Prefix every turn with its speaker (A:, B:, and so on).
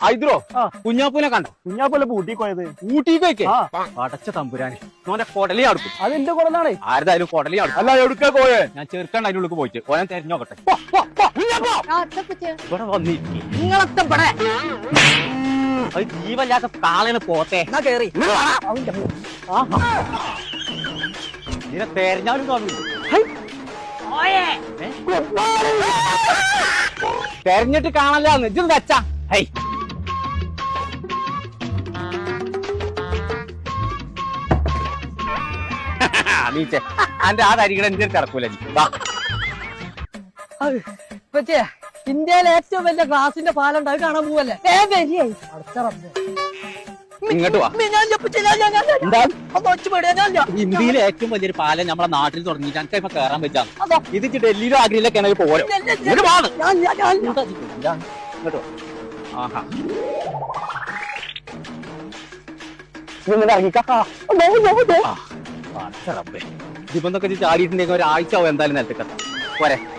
A: ഹൈദ്രോ കുഞ്ഞാപ്പൂനെ കണ്ടോ?
B: കുഞ്ഞാപ്പോലെ ഊട്ടി പോയത്.
A: ഊട്ടിക്ക് അടച്ച തമ്പുരാന് ഓന്റെ കൊടലി അടുക്കും.
B: അതെന്റെ കുടലാണേ.
A: ആരതായാലും കൊടലി അടുക്കും.
B: അല്ല എവിടുക്ക പോയേ?
A: ഞാൻ ചെറുക്കണ്ട അതിനുള്ളിൽ പോയിട്ട് ഓനെ തെരഞ്ഞോക്കട്ടെ. ഇവിടെ വന്നിരിക്കും അത് ജീവല്ലാത്ത കാളന് പോത്തെ
B: കേറി
A: ഇതിനെ തെരഞ്ഞാലും കാണൂല. തെരഞ്ഞിട്ട് കാണല്ലാന്ന് ഇജ്ജ് വെച്ചാ ഹൈ നീച്ചേ അന്റെ ആ തരികട എന്റെ കിടക്കൂല.
C: ഇന്ത്യയിലെ ഏറ്റവും വലിയ ഗ്ലാസിന്റെ പാലുണ്ട്, അത് കാണാൻ പോവല്ലേ?
A: ഇങ്ങോട്ട് വാ. ഇന്ത്യയിലെ ഏറ്റവും വലിയൊരു പാലം നമ്മളെ നാട്ടിൽ തുടങ്ങിയിട്ട് എനിക്ക് ഇപ്പൊ കയറാൻ പറ്റാം. ഇത് ഡൽഹിയിലോ ആഗ്രയിലൊക്കെ ആണെങ്കിൽ പോരും. ഇങ്ങോട്ട് ആഹാ ഇതിപ്പൊന്നൊക്കെ ചാടിയിട്ടുണ്ടെങ്കിൽ ഒരാഴ്ച ആവും എന്തായാലും നിലത്തേക്ക് പോരെ.